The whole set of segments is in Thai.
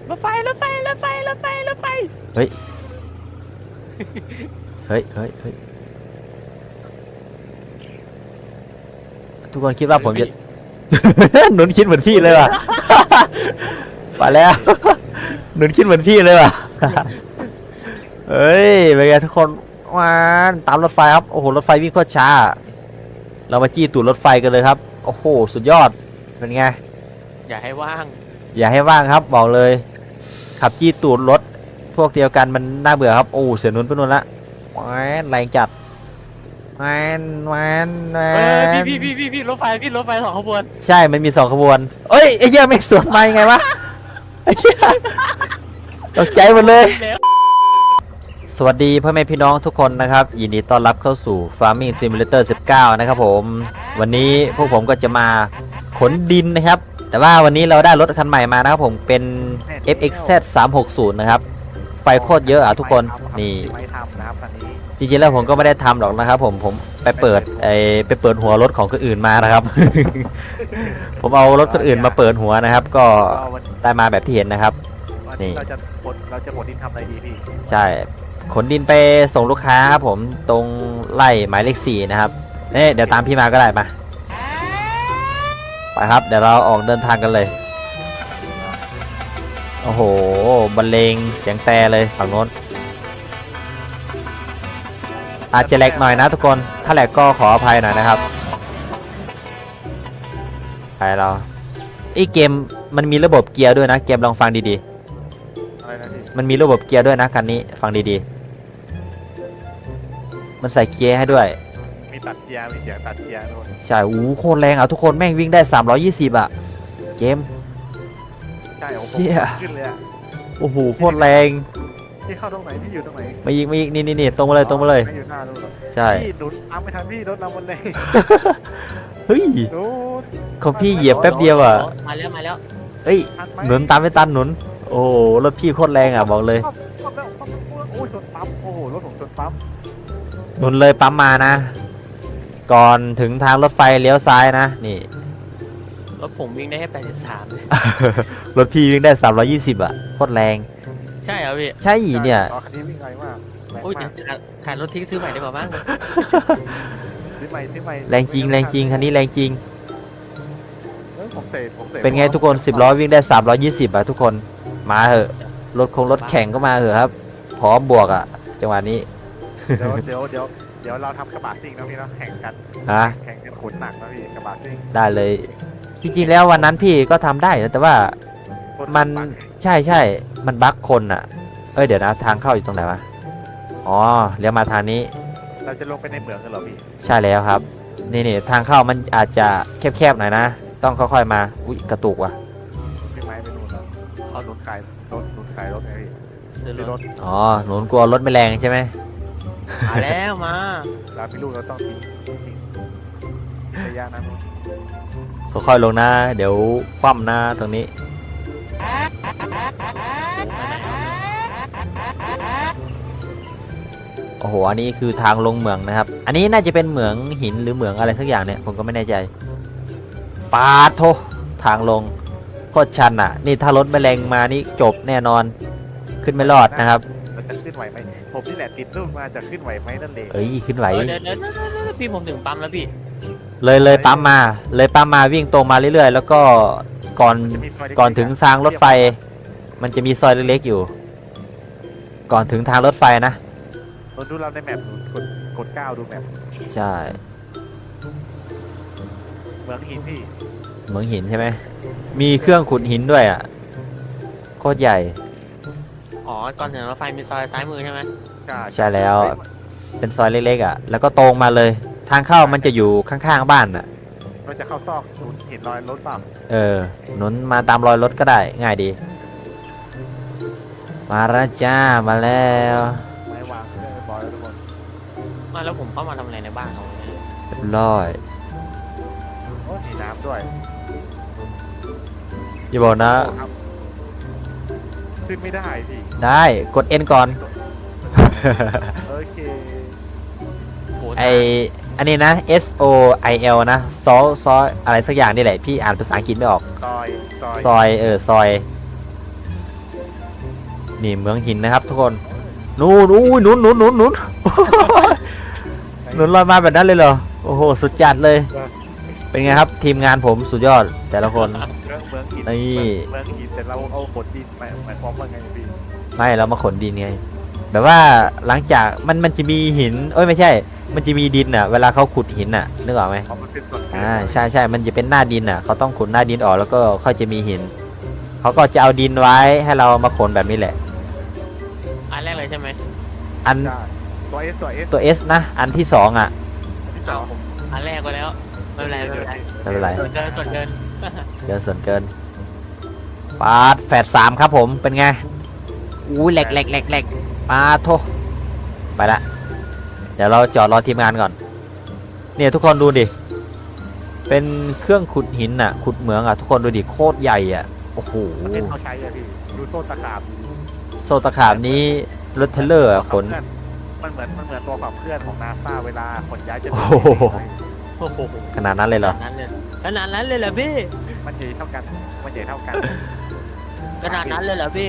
รถไฟรถไฟรถไฟรถไฟรถไฟเฮ้ยเฮ้ยเฮ้ยเฮ้ยทุกคนคิดว่าผมจะ หนุนคิดเหมือนพี่เลยว่ะ มาแล้วหนุนคิดเหมือนพี่เลยว่ะ เฮ้ยเป็นไงทุกคนมาตามรถไฟครับโอ้โหรถไฟวิ่งโคตรช้าเรามาจี้ตูดรถไฟกันเลยครับโอ้โหสุดยอดเป็นไงอย่าให้ว่างอย่าให้ว่างครับบอกเลยขับจี้ตูดรถพวกเดียวกันมันน่าเบื่อครับโอ้เสียนุนไปนู่นละแหวนแรงจัดแหวนแหวนแหวพี่รถไฟสองขบวนใช่มันมี2 ขบวนเอ้ยไอ้เหี้ยไม่สวนมายังไงวะไอ้เหี้ยตกใจหมดเลยสวัสดีพ่อแม่พี่น้องทุกคนนะครับยินดีต้อนรับเข้าสู่ Farming Simulator 19 นะครับผมวันนี้พวกผมก็จะมาขนดินนะครับแต่ว่าวันนี้เราได้รถคันใหม่มานะครับผมเป็น FXZ 360นะครับไฟโคตรเยอะอ่ะทุกคนนี่จริงๆแล้วผมก็ไม่ได้ทำหรอกนะครับผมไปเปิดหัวรถของคนอื่นมานะครับ ผมเอารถคนอื่นมาเปิดหัวนะครับก็ได้มาแบบที่เห็นนะครับนี่เราจะขนดินทำอะไรดีพี่ใช่ขนดินไปส่งลูกค้าครับผมตรงไร่หมายเลข4นะครับเดี๋ยวตามพี่มาก็ได้มาไปครับเดี๋ยวเราออกเดินทางกันเลยโอ้โหบรรเลงเสียงแต่เลยฝั่งโน้นอาจจะแหลกหน่อยนะทุกคนถ้าแหลกก็ขออภัยหน่อยนะครับไปเราเกมมันมีระบบเกียร์ด้วยนะเกมลองฟังดีๆมันมีระบบเกียร์ด้วยนะคันนี้ฟังดีๆมันใส่เกียร์ให้ด้วยมีตัดเกียร์มีเสียงตัดเกียร์ด้วยใช่โคตรแรงอ่ะทุกคนแม่งวิ่งได้320อ่ะเกมใช่โอ้โหขึ้นเลยอ่ะโอ้โหโคตรแรงที่เข้าตรงไหนที่อยู่ตรงไหนไม่ยิงนี่ตรงมาเลยตรงมาเลยอยู่หน้าดูใช่พี่หนุนตามไม่ทันพี่รถเราหมดเลยเฮ้ยของพี่เหยียบแป๊บเดียวอ่ะมาแล้วเอ้ยหนุนตามไม่ตันหนุนโอ้รถพี่โคตรแรงอ่ะบอกเลยโอ้ยชนปั๊มโอ้โหรถผมชนปั๊มหนุนเลยปั๊มมานะก่อนถึงทางรถไฟเลี้ยวซ้ายนะนี่รถผมวิ่งได้แค่83เลยรถพี่วิ่งได้320อ่ะโคตรแรงใช่เหรอพี่ใช่เนี่ยคันนี้วิ่งไวมากโอ้ยขายรถทิ้งซื้อใหม่ได้ป่ะบ้างซื้อใหม่แรงจริงคันนี้แรงจริงผมเสเป็นไงทุกคน10 ล้อวิ่งได้320อ่ะทุกคนมาเหอะรถแข่งก็มาเหอะครับพร้อมบวกอ่ะจังหวะนี้เดี๋ยวเราทำกระบะซิ่งนะพี่นะแข่งกันแข่งกันขนหนักนะพี่กระบะซิ่งได้เลยจริงๆแล้ววันนั้นพี่ก็ทำได้นะแต่ว่ามันใช่มันบั๊กคนอ่ะเดี๋ยวนะทางเข้าอยู่ตรงไหนวะอ๋อเลี้ยวมาทางนี้เราจะลงไปในเหมืองกันเหรอพี่ใช่แล้วครับนี่ทางเข้ามันอาจจะแคบๆหน่อยนะต้องค่อยๆมาอุ๊ยกระตุกว่ะพี่ไม้ไปนู่นแล้วเขารถขายรถไงพี่ซื้อรถอ๋อหนูกลัวรถไม่แรงใช่ไหมมาแล้วมาเราพี่ลูกเราต้องทิ้งระยะนั้นค่อยๆลงนะเดี๋ยวคว่ำนะตรงนี้โอ้โหอันนี้คือทางลงเหมืองนะครับอันนี้น่าจะเป็นเหมืองหินหรือเหมืองอะไรสักอย่างเนี่ยผมก็ไม่แน่ใจปาโททางลงโคตรชันอ่ะนี่ถ้ารถไม่แรงมานี่จบแน่นอนขึ้นไม่รอดนะครับมันจะขึ้นไหวไหมผมนี่แหละติดรูปมาจะขึ้นไหวไหมนั่นเองขึ้นไหวเดี๋ยวพี่ผมถึงปั๊มแล้วพี่เลยปั๊มมาวิ่งตรงมาเรื่อยๆแล้วก็ก่อนถึงทางรถไฟมันจะมีซอยเล็กๆอยู่ก่อนถึงทางรถไฟนะดูเราในแมปกด9ดูแมปใช่เหมืองหินพี่เหมืองหินใช่ไหมมีเครื่องขุดหินด้วยอ่ะโคตรใหญ่อ๋อก่อนถึงรถไฟมีซอยซ้ายมือใช่ไหมใช่แล้วเป็นซอยเล็กๆอ่ะแล้วก็ตรงมาเลยทางเข้ามันจะอยู่ข้างๆบ้านอ่ะเราจะเข้าซอกเห็นรอยรถเปล่าหนุนมาตามรอยรถก็ได้ง่ายดีมาแล้วจ้ามาแล้วไม่วางเรียบร้อยแล้วทุกคนมาแล้วผมเข้ามาทำอะไรในบ้านเขาเรียบร้อยโอ้มีน้ำด้วยอย่าบอกนะขึ้นไม่ได้พี่ได้กด N ก่อนโอเคอันนี้นะ SOIL นะซออะไรสักอย่างนี่แหละพี่อ่านภาษาอังกฤษไม่ออกซอยซอยนี่เมืองหินนะครับทุกคนนู่นอุ้ยหนุนหนุนหนุนหนุน หนุนลอยมาแบบนั้นเลยเหรอโอ้โหสุดจัดเลยเป็นไงครับทีมงานผมสุดยอดแต่ละคนเมืองหินนี่เมืองหินแต่เราเอาขนดินหมายความว่าไงพี่ไม่เรามาขนดินไงแบบว่าหลังจากมันจะมีหินเอ้ยไม่ใช่ มันจะมีดินอ่ะเวลาเขาขุดหินอ่ะนึกออกไหมเพราะมันเป็นส่วนเกินใช่ใช่มันจะเป็นหน้าดินอ่ะเขาต้องขุดหน้าดินออกแล้วก็ค่อยจะมีหินเขาก็จะเอาดินไว้ให้เรามาขนแบบนี้แหละอันแรกเลยใช่ไหมอันใช่ตัวเอสตัว S นะอันที่สองอ่ะที่สองผมอันแรกไปแล้วไม่เป็นไรไม่เป็นไรไม่เป็นไรส่วนเกินส่วนเกินเกินส่วนเกินปาดแฝดสามครับผมเป็นไงอู้แหลกแหลกแหลกแหลกปาดโทไปละเดี๋ยวเราจอดรอทีมงานก่อนเนี่ยทุกคนดูดิเป็นเครื่องขุดหินอ่ะขุดเหมืองอ่ะทุกคนดูดิโคตรใหญ่อ่ะโอ้โหประเทศเขาใช้อะพี่ดูโซ่ตะขาบโซตะขาบนี้รถเทรลเลอร์อะขนมันเหมือนตัวขับเคลื่อนของนาซาเวลาขนย้ายจะโอ้โหโอ้โหขนาดนั้นเลยเหรอขนาดนั้นเลยเหรอพี่มันใหญ่เท่ากันมันใหญ่เท่ากันขนาดนั้นเลยเหรอพี่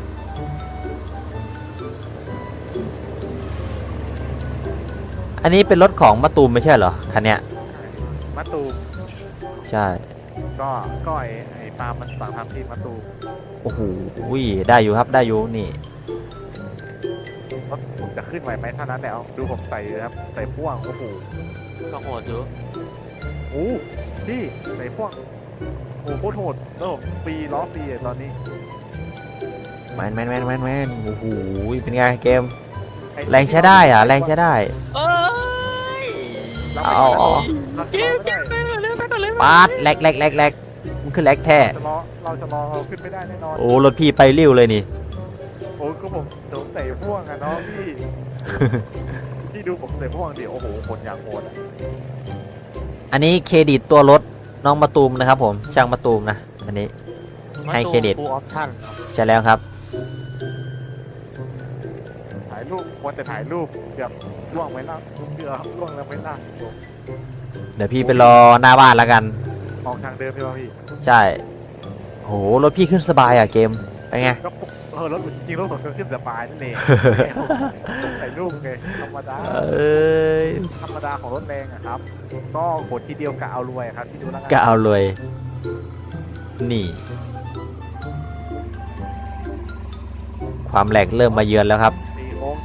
อันนี้เป็นรถของมะตูมไม่ใช่เหรอคันเนี้ยมะตูมใช่ก็ไอ้ปาล์มมันสั่งทำที่มะตูมโอ้โหได้อยู่ครับได้อยู่นี่รถผมจะขึ้นไหวไหมเท่านั้นแต่เอาดูผมใส่เลยครับใส่พ่วงโอ้โหก็โหดอยู่โอ้พี่ใส่พ่วงโอ้โหโคตรโหดแล้วผมฟรีล้อฟรีอะตอนนี้แมนโอ้โหเป็นไงเกมแรงใช้ได้อ่ะแรงใช้ได้เอ้ยเอาเราจะรอไม่ได้ไปเลยปาดแหลกมันคือแหลกแท้เราจะรอขึ้นไม่ได้แน่นอนโอ้รถพี่ไปริ้วเลยนี่โอ้ก็ผมใส่พ่วงอะเนาะพี่พี่ดูผมใส่พ่วงดิโอ้โหคนอย่างโหดอะอันนี้เครดิตตัวรถน้องมะตูมนะครับผมช่างมะตูมนะอันนี้ ให้เครดิตฟูลออปชั่นใช่แล้วครับถ่ายรูปควรแต่ถ่ายรูปเกือบล่วงไปแล้วเกือบล่วงแล้วไม่น่าเดี๋ยวพี่ไปรอหน้าบ้านแล้วกันออกทางเดิมใช่ไหมพี่ใช่โหรถพี่ขึ้นสบายอ่ะเกมเป็นไงก็รถจริงรถผมขึ้นสบายนั่นเองผมใส่รูปไงธรรมดาเอ้ยธรรมดาของรถแรงอะครับ ก็กดทีเดียวกะเอารวยครับที่ดูแล้วกันก็เอาเลยนี่ ความแหลกเริ่มมาเยือนแล้วครับตีโค้ง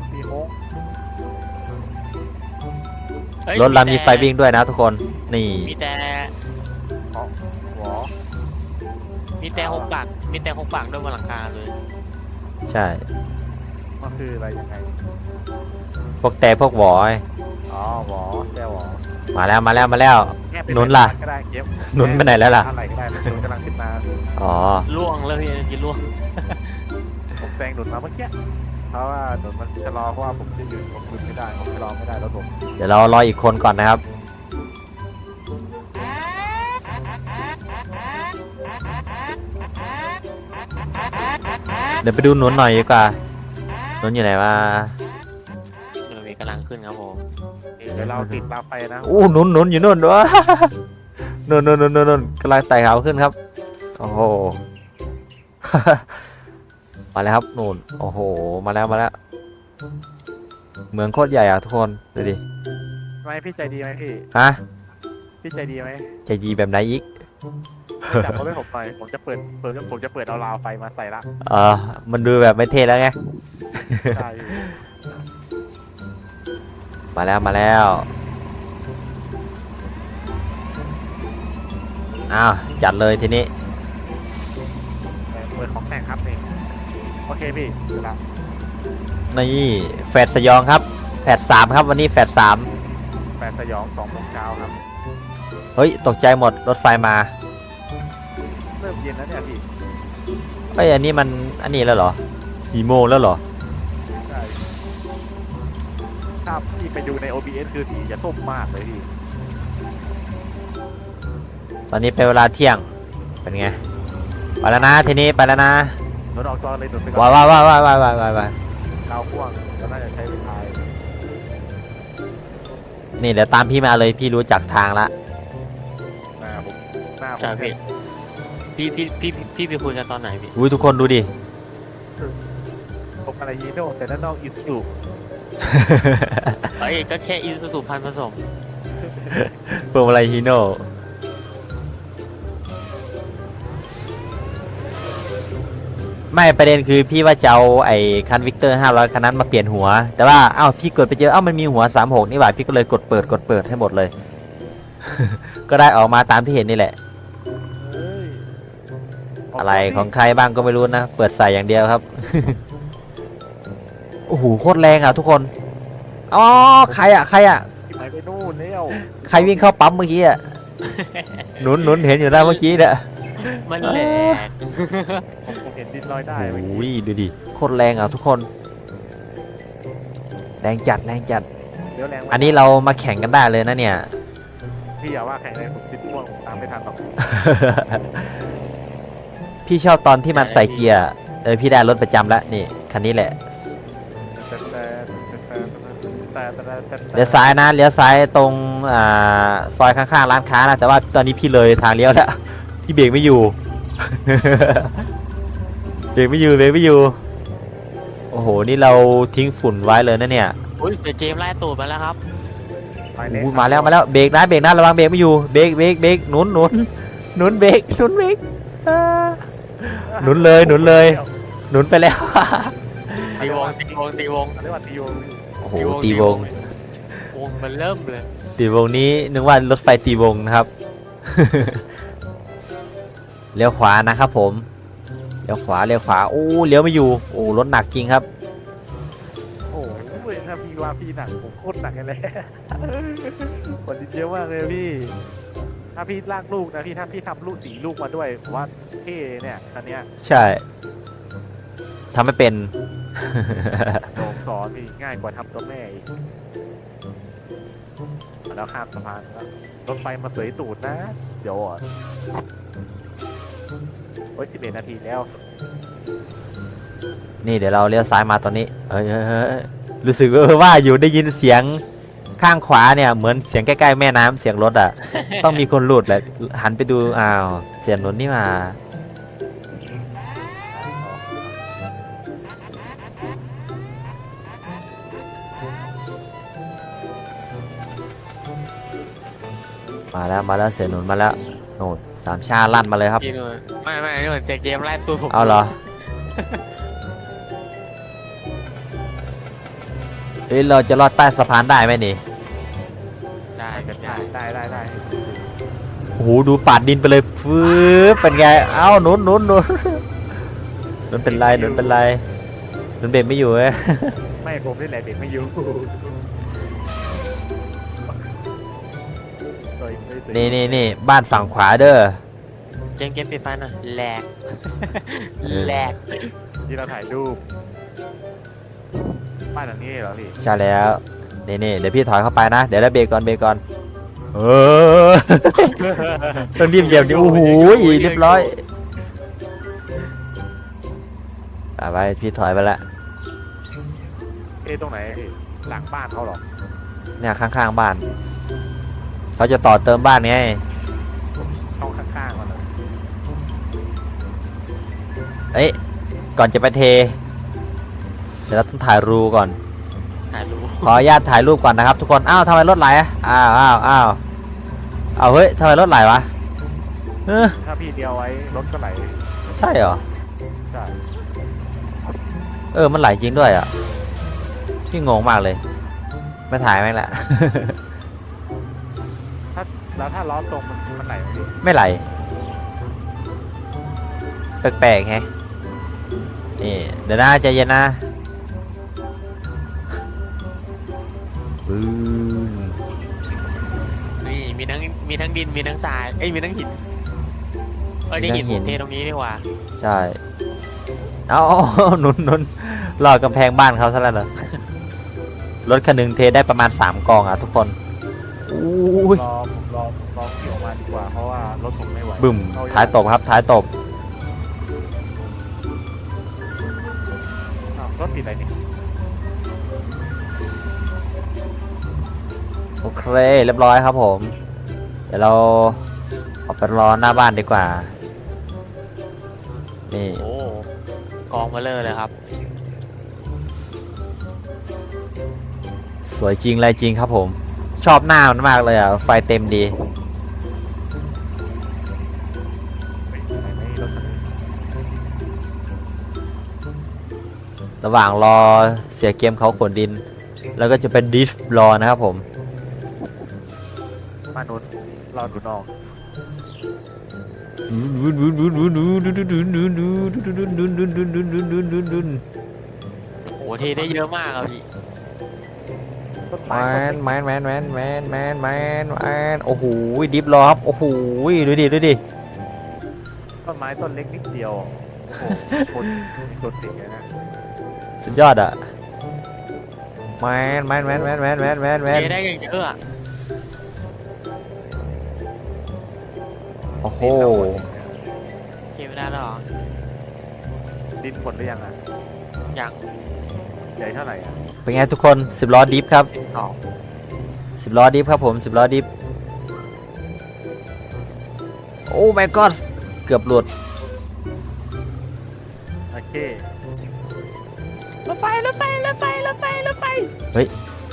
เฮ้ยรถเรามีไฟวิ่งด้วยนะทุกคนนี่มีแต่อ๋อหวอมีแต่หกปากมีแต่หกปากด้วยบนหลังคาเลยใช่มันคืออะไรยังไงพวกแต่พวกหวอยอ๋อหวอแก้วหวอมาแล้วแค่เป็หนุนล่ะก็ได้เก็บหนุนไปไหนแล้วล่ะอะไรก็ได้หนุนกำลังขึ้นมาอ๋อล่วงเลยพี่กินล่วงผมแซงหนุนมาเมื่อกี้เพราะว่าหนุนมันชะลอเพราะว่าผมจะยืนผมหยุดไม่ได้ผมชะลอไม่ได้แล้วผมเดี๋ยวเรารออีกคนก่อนนะครับเดี๋ยวไปดูหนุนหน่อยดีกว่าหนุนอยู่ไหนวะเดี๋ยวมีกำลังขึ้นครับผมเดี๋ยวเราติดตามไปนะอู้หนุนอยู่นู่นวะ นู่นกำลังไต่เขาขึ้นครับโอ้โห มาแล้วครับนู่นโอ้โหมาแล้วเมืองโคตรใหญ่อ่ะทุกคนดูดิทำไมพี่ใจดีไหมพี่ฮะพี่ใจดีไหมใจดีแบบไหนอีกจับเขาไว้ผมหน่อยผมจะเปิดเอาราวไฟมาใส่ละมันดูแบบไม่เท่แล้วไงใช่มาแล้วอ้าวจัดเลยทีนี้เปิดของแต่งครับนี่โอเคพี่เดี๋ยวละนี่แฟดสยองครับแฟด3ครับวันนี้แฟด3 แปดสยอง2 โมงเช้าครับเฮ้ยตกใจหมดรถไฟมาเริ่มเย็นแล้วเนี่ยพี่เอ้ยอันนี้มันอันนี้แล้วเหรอ4 โมงแล้วเหรอใช่ถ้าพี่ไปดูใน OBS คือสีจะส้มมากเลยพี่ตอนนี้เป็นเวลาเที่ยงเป็นไงไปแล้วนะทีนี้ไปแล้วนะรถออกจอเลยหนุนไปก่ว้าอนวดาวพ่วงก็น่าจะใช้เวลานี่เดี๋ยวตามพี่มาเลยพี่รู้จักทางละหน้าผมใช่พี่ไปคุยกันตอนไหนพี่อุ้ยทุกคนดูดิผมอะไรฮีโน่แต่ด้านนอกอิสุเอ้ยก็แค่อิซูซูพันผสมพวงมาลัยฮีโน่ไม่ประเด็นคือพี่ว่าจะเอาไอ้คันวิกเตอร์500คันนั้นมาเปลี่ยนหัว แต่ว่าเอ้าพี่กดไปเจอเอ้ามันมีหัว36นี่หว่าพี่ก็เลยกดเปิดให้หมดเลย ก็ได้ออกมาตามที่เห็นนี่แหละเฮ้ยอะไรของใครบ้างก็ไม่รู้นะ เปิดใส่อย่างเดียวครับ โอ้โหโคตรแรงอ่ะทุกคนอ๋อใครอ่ะที่ไหนไปนู่นแล้วใครวิ่งเข้าปั๊มเมื่อกี้อ่ะ หนุนเห็นอยู่แล้วเมื่อกี้เนี่ยมันแหลกผมเห็นดินลอยได้เมื่อโอ้ยกี้ดูดิโคตรแรงอ่ะทุกคนแรงจัดเดี๋ยวแรงอันนี้เรามาแข่งกันได้เลยนะเนี่ยพี่อย่าว่าแข่งเลยผมติดม่วงผมตามไม่ทันหรอกพี่ชอบตอนที่มันใส่เกียร์พี่ได้รถประจำแล้วนี่คันนี้แหละเลี้ยวซ้ายนะเลี้ยวซ้ายตรงซอยข้างๆร้านค้านะแต่ว่าตอนนี้พี่เลยทางเลี้ยวแล้วพี่เบรกไม่อยู่ เบรกไม่อยู่โอ้โหนี่เราทิ้งฝุ่นไว้เลยนะเนี่ยอุ้ยเดี๋ยวเจมส์ไล่ตูดมาแล้วครับไปเลยอู้มาแล้วเบรกนะระวังเบรกไม่อยู่เบรกหนุนเบรกอ่า หนุนเลยหนุนไปแล้วตีวงเรียกว่าตีวงโอ้โหตีวงวงมันเริ่มเลยตีวงนี้นึกว่ารถไฟตีวงนะครับ เลี้ยวขวานะครับผมเลี้ยวขวาโอ้เลี้ยวไม่อยู่โอ้รถหนักจริงครับโอ้โหถ้าพี่ว่าพี่หนักผมโคตรหนักเลย กดดินเยอะมากเลยพี่ ถ้าพี่ลากลูกนะพี่ถ้าพี่ทำลูกสีลูกมาด้วยผมว่าเท่เนี่ยคันเนี้ยใช่ทำไม่เป็นผมสอนพี่ง่ายกว่าทำตัวแม่อีกแล้วข้ามสะพานแล้วรถไฟมาเสยตูดนะ เดี๋ยวอ่ะโอ้ย11 นาทีแล้วนี่เดี๋ยวเราเลี้ยวซ้ายมาตอนนี้รู้สึกว่าอยู่ได้ยินเสียงข้างขวาเนี่ยเหมือนเสียงใกล้ๆแม่น้ำเสียงรถอ่ะ ต้องมีคนหลุดแหละหันไปดูอ้าวเสียงรถนี่มามาแล้วเสียงหนุนมาแล้วโน่นสามชาลั่นมาเลยครับพี่หนุ่ยไม่นี่เหมือนเสียงเจมส์ไล่ตูดผมเอาเหรอ เอ้ยเราจะลอดใต้สะพานได้ไหมนี่ได้กันได้ได้โอ้โหดูปาดดินไปเลยฟืบเป็นไงเอ้าหนุนเป็นไรหนุนเบรกไม่อยู่เอ้ยไม่ผมนี่แหละเด็กไม่อยู่นี่บ้านฝั่งขวาเด้อเจมส์ปิดไฟหน่อยแหลกที่เราถ่ายรูปบ้านหลังนี้เหรอพี่ใช่แล้วนี่เดี๋ยวพี่ถอยเข้าไปนะเดี๋ยวแล้วเบรกก่อนต้องรีบเหยียบดิโอ้โหเรียบร้อยไปพี่ถอยไปละตรงไหนพี่หลังบ้านเขาเหรอเนี่ยข้างๆบ้านเขาจะต่อเติมบ้านไงช่องข้างๆมันเหรอเอ้ยก่อนจะไปเทเดี๋ยวเราต้องถ่ายรูก่อนถ่ายรูปขออนุญาตถ่ายรูปก่อนนะครับทุกคนอ้าวทำไมรถไหลอ่ะอ้าวเฮ้ยทำไมรถไหลวะถ้าพี่เดียวไว้รถก็ไหลใช่เหรอใช่มันไหลจริงด้วยอ่ะพี่งงมากเลยไม่ถ่ายแม่งละแล้วถ้าล้อตรงมันไหลไหมพี่ไม่ไหลแปลกๆแฮะนี่เดี๋ยวนะใจเย็นนะบึ้มนี่มีทั้งดินมีทั้งทรายมีทั้งหินนี่หินผมเทตรงนี้ดีกว่าใช่เอา หนุนรอกำแพงบ้านเขาซะแล้วเหรอ รถคันหนึ่งเทได้ประมาณ3 กองอ่ะทุกคนอุ้ยรอขี่ออกมาดีกว่าเพราะว่ารถผมไม่ไหวบึ้มท้ายตบครับท้ายตบรถติดอะไรนี่โอเคเรียบร้อยครับผมเดี๋ยวเราออกไปรอหน้าบ้านดีกว่านี่โอ้กองมาเลยครับสวยจริงอะไรจริงครับผม ชอบหน้ามันมากเลยอ่ะ ไฟเต็มดีไม่รถคันนี้ระหว่างรอเสียเกมเขาขนดิน แล้วก็จะเป็นดิฟรอนะครับผมมานุษรอดูน้องโอ้โหเทได้เยอะมากครับพี่ต้นแมไม้นโอ้โหดิฟรอครับ โอ้โหดูดิต้นไม้ต้นเล็กนิดเดียวโอ้โหคนมีตัวติดเลยนะสุดยอดอ่ะแมนเทได้อย่างเยอะอะโอ้โหเทไม่ได้แล้วเหรอดินหมดหรือยังอ่ะอย่างใหญ่เท่าไหร่อ่ะเป็นไงทุกคน10 ล้อดิฟครับสอง 10 ล้อดิฟครับผม10 ล้อดิฟโอ้ my god เกือบหลุดโอเครถไฟเฮ้ย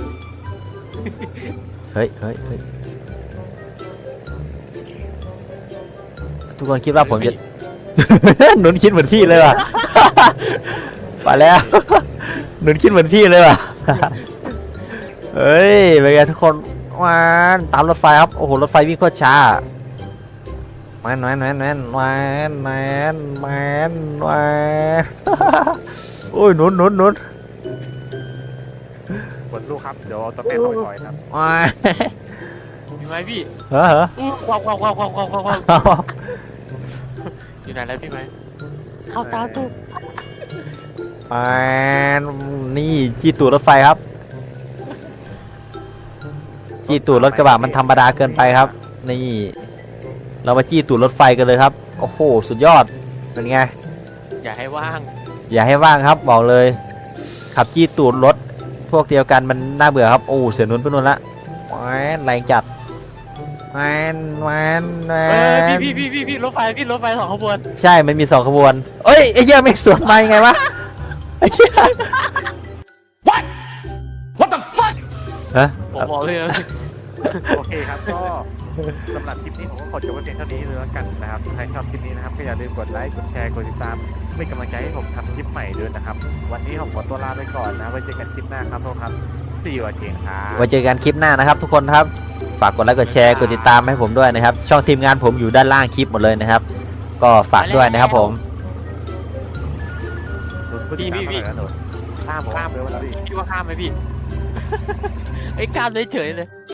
ทุกคนคิดว่าผมจะ หนุนคิดเหมือนพี่เลยว่ะ ไปแล้ว หนุนคิดเหมือนพี่เลยว่ะ เฮ้ยเป็นไงทุกคนวานตามรถไฟครับ โอ้โห รถไฟวิ่งโคตรช้าแมนโอ้ยหนุนฝนลูกครับเดี๋ยวเอาต้นแม่เข้าไปก่อยครับว้ายมีไหมพี่เหรออู้ความอยู่ไหนแล้วพี่ไหมเข้าตามตู้แมนนี่จี้ตูดรถไฟครับ จี้ตูดรถกระบะมันธรรมดาเกินไปครับ นี่ เรามาจี้ตูดรถไฟกันเลยครับ โอ้โห สุดยอด เป็นไงอย่าให้ว่างอย่าให้ว่างครับบอกเลย ขับจี้ตูดรถพวกเดียวกันมันน่าเบื่อครับ โอ้เสียนุนไปนุนละแหวนแรงจัดแหวนพี่รถไฟสองขบวนใช่ มันมี2 ขบวน เอ้ยไอ้เหี้ยไม่สวนมายังไงวะไอ้เหี้ย What the fuck? ฮะผมบอกเลยนะโอเคครับก็สำหรับคลิปนี้ผมก็ขอจบไว้เพียงเท่านี้เลยแล้วกันนะครับใครชอบคลิปนี้นะครับก็อย่าลืมกดไลค์กดแชร์กดติดตามเป็นกำลังใจให้ผมทำคลิปใหม่ด้วยนะครับวันนี้ผมขอตัวลาไปก่อนนะไว้เจอกันคลิปหน้าครับทุกครับSee you again ครับไว้เจอกันคลิปหน้านะครับ ทุกคนครับ ฝากกดไลค์กดแชร์กดติดตามให้ผมด้วยนะครับ ช่องทีมงานผมอยู่ด้านล่างคลิปหมดเลยนะครับ ก็ฝากด้วยนะครับผมพี่ข้ามเลยวันนี้พี่ว่าข้ามไหมพี่ ไอ้ข้ามเฉยๆเลย